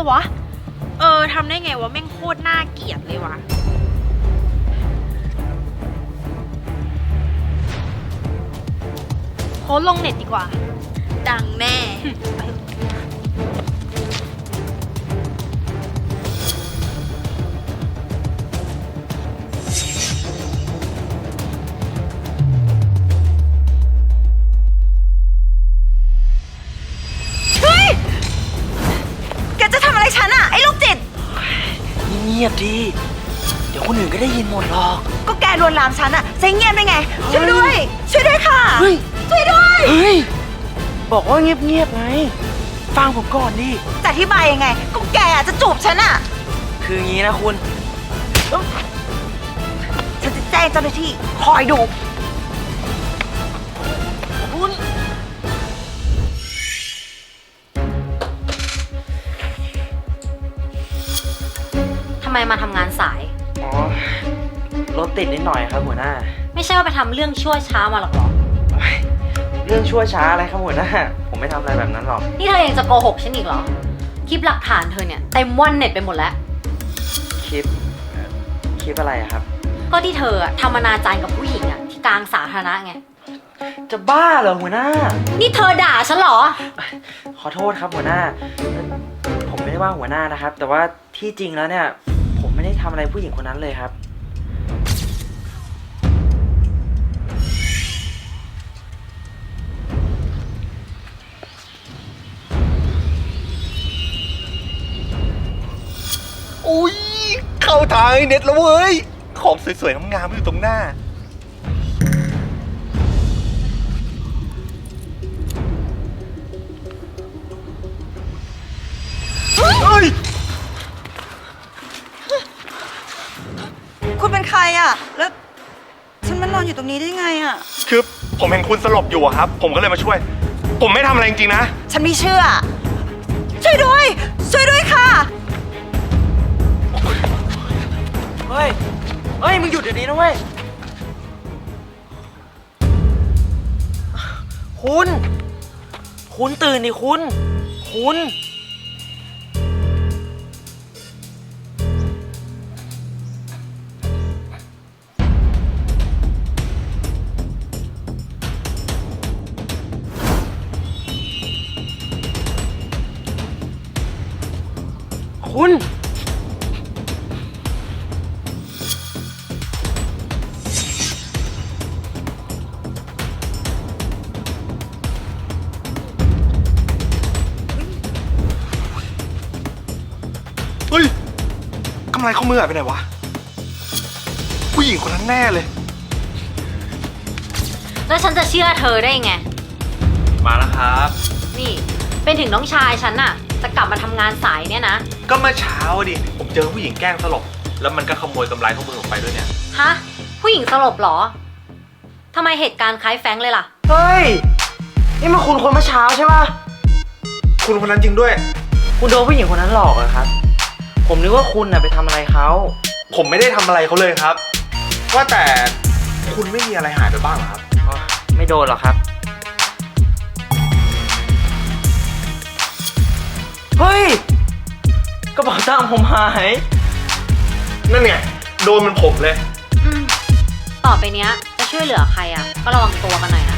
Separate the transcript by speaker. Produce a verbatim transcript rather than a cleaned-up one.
Speaker 1: วะเออทำได้ไงวะแม่งโคตรน่าเกลียดเลยวะโพสต์ลงเน็ตดีกว่าดังแน่
Speaker 2: เงียบดีเดี๋ยวคนอื่นก็ได้ยินหมดหรอก
Speaker 3: ก็แกลวนลามฉันอะจะเงียบได้ไงช่วยด้วยช่วยด้วยค่ะช่วยด้วย
Speaker 2: เฮ้ยบอกว่าเงียบๆไงฟังผมก่อนดิ
Speaker 3: จะอธิบายยังไงก็แกจะจูบฉันอะ
Speaker 2: คืองี้นะคุณ
Speaker 3: ฉันจะแจ้งเจ้าหน้าที่คอยดู
Speaker 2: คุณ
Speaker 4: ทำไมมาทำงานสาย
Speaker 2: อ๋อรถติดนิดหน่อยครับหัวหน้า
Speaker 4: ไม่ใช่ว่าไปทำเรื่องชั่วช้ามาหรอกหรอ
Speaker 2: เรื่องชั่วช้าอะไรครับหัวหน้าผมไม่ทำอะไรแบบนั้นหรอก
Speaker 4: นี่เธอยังจะโกหกฉันอีกเหรอคลิปหลักฐานเธอเนี่ยเต็มว่อนเน็ตไปหมดแล้ว
Speaker 2: คลิปคลิปอะไรครับ
Speaker 4: ก็ที่เธอทำอนาจารกับผู้หญิงอะที่กลางสาธารณะไง
Speaker 2: จะบ้าเหรอหัวหน้า
Speaker 4: นี่เธอด่าฉันเหรอ
Speaker 2: ขอโทษครับหัวหน้าผมไม่ได้ว่าหัวหน้านะครับแต่ว่าที่จริงแล้วเนี่ยผมไม่ได้ทำอะไรผู้หญิงคนนั้นเลยครับ
Speaker 5: อุ้ยเข้าทางเน็ตแล้วเว้ยของสวยๆงามๆอยู่ตรงหน้าเฮ้ย
Speaker 3: คุณเป็นใครอะแล้วฉันมานอนอยู่ตรงนี้ได้ไงอะ
Speaker 5: คือผมเห็นคุณสลบอยู่อะครับผมก็เลยมาช่วยผมไม่ทำอะไรจริงๆนะ
Speaker 3: ฉันไม่เชื่อช่วยด้วยช่วยด้วยค่ะ
Speaker 2: เฮ้ยเฮ้ยมึงหยุดเดี๋ยวนี้นะเว้ยคุณคุณตื่นดิคุณคุณคุณ
Speaker 5: เฮ้ยกำไรข้อมือหายไปไหนวะผู้หญิงคนนั้นแน่เลย
Speaker 4: แล้วฉันจะเชื่อเธอได้ไง
Speaker 5: มาแล้วครับ
Speaker 4: นี่เป็นถึงน้องชายฉันน่ะจะกลับมาทำงานสายเนี่ยนะ
Speaker 5: ก็เมื่อเช้าดิผมเจอผู้หญิงแกล้งสลบแล้วมันก็ขโมยกำไรข้อมือผมไปด้วยเนี่ย
Speaker 4: ฮะผู้หญิงสลบเหรอทำไมเหตุการณ์คล้ายแฟงเลยล่ะ
Speaker 2: เฮ้ยนี่มันคุณคนเมื่อเช้าใช่ป่ะ
Speaker 5: คุณคนนั้นจริงด้วย
Speaker 2: คุณโดนผู้หญิงคนนั้นหลอกเหรอครับผมนึกว่าคุณน่ะไปทำอะไรเขา
Speaker 5: ผมไม่ได้ทำอะไรเขาเลยครับว่าแต่คุณไม่มีอะไรหายไปบ้างเหรอครับ
Speaker 2: ไม่โดนหรอกครับเฮ้ยกระเป๋าตังค์ผมหาย
Speaker 5: นั่นไงโดนมันผมเลย
Speaker 4: อืมต่อไปเนี้ยจะช่วยเหลือใครอ่ะก็ระวังตัวกันหน่อยนะ